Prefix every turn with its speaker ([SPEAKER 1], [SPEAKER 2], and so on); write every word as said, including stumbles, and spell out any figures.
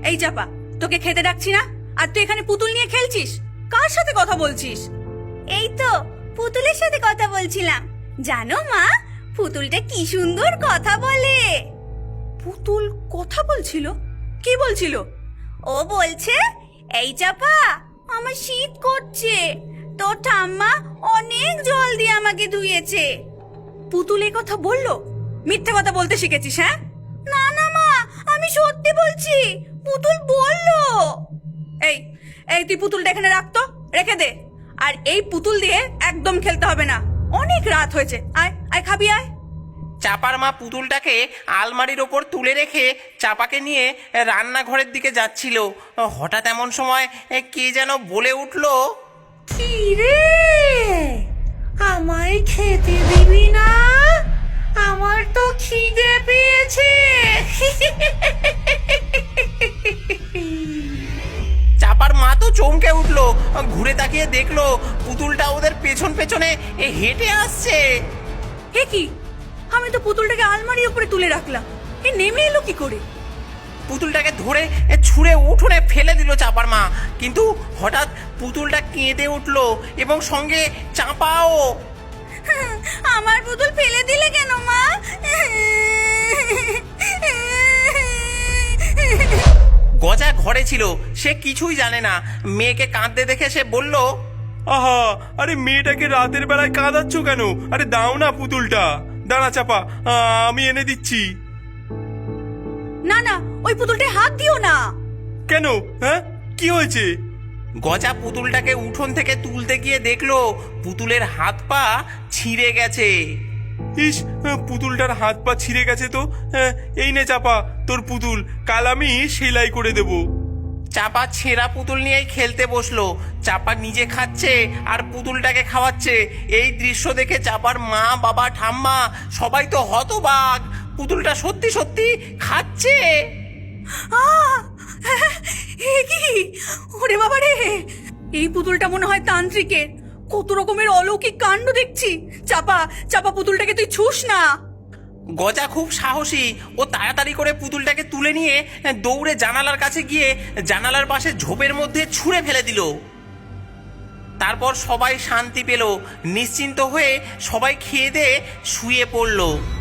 [SPEAKER 1] এই চাপা, তোকে খেতে ডাকছি না, আর তুই এখানে পুতুল নিয়ে খেলছিস? কার সাথে কথা বলছিস?
[SPEAKER 2] এই তো পুতুলের সাথে কথা বলছিলাম। জানো মা, পুতুলটা কি সুন্দর কথা বলে।
[SPEAKER 1] পুতুল কথা বলছিল? কি বলছিল?
[SPEAKER 2] ও বলছে, এই চাপা, আমার শীত করছে, তোর ঠাম্মা অনেক জল দিয়ে আমাকে ধুয়েছে।
[SPEAKER 1] পুতুল এই কথা বললো? মিথ্যে কথা বলতে শিখেছিস? হ্যাঁ,
[SPEAKER 2] না না মা, আমি সত্যি বলছি, পুতুল বললো।
[SPEAKER 1] এই এই তুই পুতুলটা এখানে রাখতো, রেখে দে। আর এই পুতুল দিয়ে একদম খেলতে হবে না, অনেক রাত হয়েছে। আয় আয়, খাবি আয়।
[SPEAKER 3] চাপার মা পুতুলটাকে আলমারির ওপর তুলে রেখে চাপাকে নিয়ে রান্নাঘরের দিকে যাচ্ছিল। হঠাৎ এমন সময় কে যেন বলে উঠল,
[SPEAKER 4] কি রে, আমায় খেতে দিবি না? আমার তো খিদে পেয়েছে।
[SPEAKER 3] চাপার মা তো চমকে উঠলো, ঘুরে তাকিয়ে দেখলো পুতুলটা ওদের পেছন পেছনে হেঁটে আসছে।
[SPEAKER 1] হে কি, আমি তো পুতুলটাকে আলমারির উপরে তুলে রাখলাম, এ নেমে এলো কি করে?
[SPEAKER 3] পুতুলটাকে ধরে ছুঁড়ে উঠোনে ফেলে দিল চাপার মা, কিন্তু হঠাৎ পুতুলটা কেঁদে উঠলো এবং সঙ্গে চাপাও।
[SPEAKER 2] আমার পুতুল ফেলে দিলে কেন মা?
[SPEAKER 3] গজা ঘরে ছিল, সে কিছুই জানে না। মেয়েকে কাঁদতে দেখে সে বলল,
[SPEAKER 5] আহা, আরে মেয়েটাকে রাতের বেলায় কাঁদাচ্ছ কেন? আরে দাও না পুতুলটা। দাঁড়া চাপা, আমি এনে দিচ্ছি।
[SPEAKER 1] না না, ওই পুতুলটায় হাত দিও না।
[SPEAKER 5] কেন? হ্যাঁ, কি হয়েছে?
[SPEAKER 3] গজা পুতুলটাকে উঠোন থেকে তুলতে গিয়ে দেখলো পুতুলের হাত পা ছিঁড়ে গেছে।
[SPEAKER 5] ইস, পুতুলটার হাত পা ছিঁড়ে গেছে তো। এই নে চাপা, তোর পুতুল, কাল আমি সেলাই করে দেব।
[SPEAKER 3] চাপা ছেঁড়া পুতুল নিয়েই খেলতে বসলো। চাপা নিজে খাচ্ছে আর পুতুলটাকে খাওয়াচ্ছে। এই দৃশ্য দেখে চাপার মা, বাবা, ঠাম্মা সবাই তো হতবাক। পুতুলটা সত্যি সত্যি খাচ্ছে।
[SPEAKER 1] আহ! এ কি? ওরে বাবা রে, এই পুতুলটা মনে হয় তান্ত্রিকের। কত রকমের অলৌকিক কাণ্ড দেখছি। চাপা চাপা, পুতুলটাকে তুই ছুস না।
[SPEAKER 3] গজা খুব সাহসী, ও তাড়াতাড়ি করে পুতুলটাকে তুলে নিয়ে দৌড়ে জানালার কাছে গিয়ে জানালার পাশে ঝোপের মধ্যে ছুঁড়ে ফেলে দিল। তারপর সবাই শান্তি পেল। নিশ্চিন্ত হয়ে সবাই খেয়ে দিয়ে শুয়ে পড়ল।